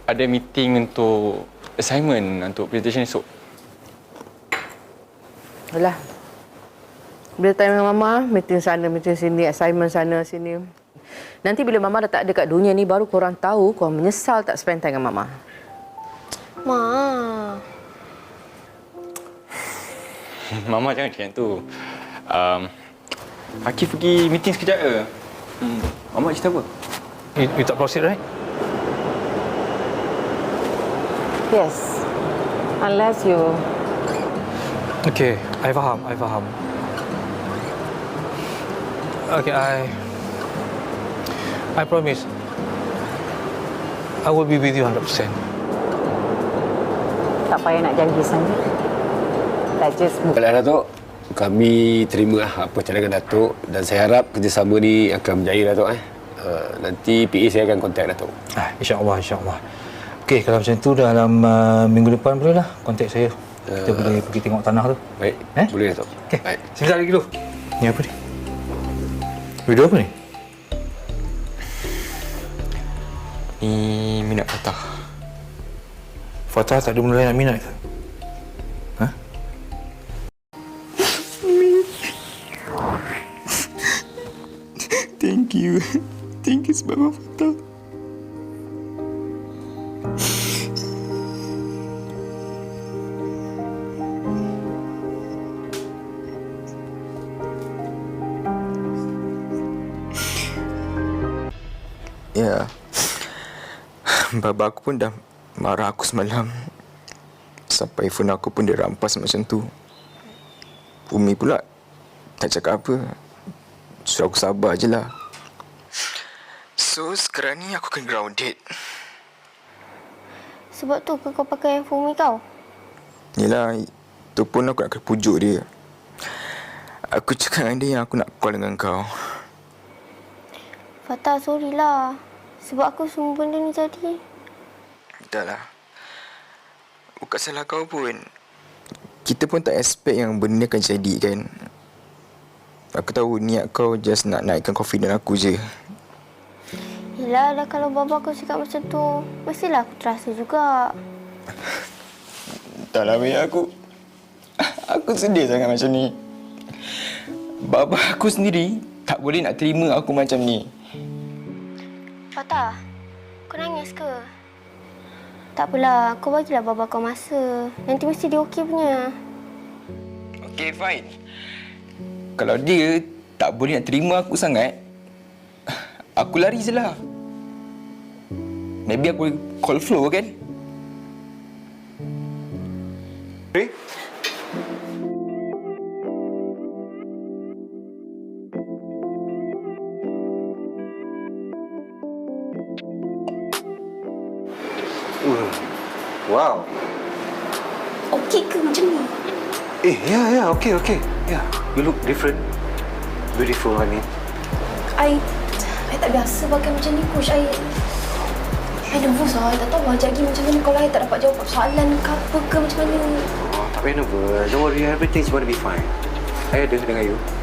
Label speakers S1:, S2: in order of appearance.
S1: ada meeting untuk assignment untuk presentation esok.
S2: Alah. Bila time dengan Mama, meeting sana, meeting sini, assignment sana, sini. Nanti bila Mama dah tak ada kat dunia ni, baru korang tahu korang menyesal tak spend time dengan Mama.
S3: Ma.
S1: Mama jangan macam tu. Akif pergi meeting sekejap ke? Mama cerita apa?
S4: You tak proceed, right?
S2: Yes. Unless you...
S4: Okay, I faham. Okay, I promise. I will be with you 100%.
S5: Tak payah nak janji sangat. Dah just move.
S6: Baiklah Datuk, kami terima apa cadangan Datuk dan saya harap kerjasama ni akan berjaya Datuk. Nanti PA saya akan kontak Datuk.
S4: InsyaAllah. Okey, kalau macam tu dalam minggu depan bolehlah kontak saya. Kita boleh pergi tengok tanah tu.
S6: Baik, boleh Datuk.
S4: Okey,
S6: baik.
S4: sebentar lagi dulu. Ni apa ni? Video apa ni?
S1: Ni minat Fatah.
S4: Fatah tak ada benda lain nak minat ke? Ha?
S1: Thank you sebab Fatah.
S7: Ya, baba aku pun dah marah aku semalam. Sampai phone aku pun dia rampas macam tu. Umi pula tak cakap apa. Suruh aku sabar je lah. So, sekarang ni aku kena grounded.
S3: Sebab tu ke kau pakai handphone Umi kau?
S7: Yelah, tu pun aku nak kena pujuk dia. Aku cakap dengan dia yang aku nak call dengan kau.
S3: Fatah, sorry lah. Sebab aku semua benda ni jadi.
S7: Dah lah. Bukan salah kau pun. Kita pun tak expect yang benda ni akan jadi kan. Aku tahu niat kau just nak naikkan confidence aku je.
S3: Yelah, dah kalau bapa kau cakap macam tu, mestilah aku terasa juga.
S7: Tak lah, Mia. Aku sedih sangat macam ni. Bapa aku sendiri tak boleh nak terima aku macam ni.
S3: Fatah, kau nangis ke? Tak apalah, kau bagilah bapa kau masa. Nanti mesti dia okey punya.
S7: Okay, fine. Kalau dia tak boleh nak terima aku sangat, aku lari je lah. Maybe aku call Flo kan?
S6: Okay. Wow.
S3: Okey ke macam ni?
S6: Yeah, okay. Yeah, you look different. Beautiful, I mean.
S3: I tak biasa pakai macam ni, Coach. I nervous lah. I tak tahu ajak pergi macam mana kalau I tak dapat jawab soalan ke apa ke macam mana.
S6: Oh, tak payah nervous. Don't worry, everything's going to be fine. I ada dengan you.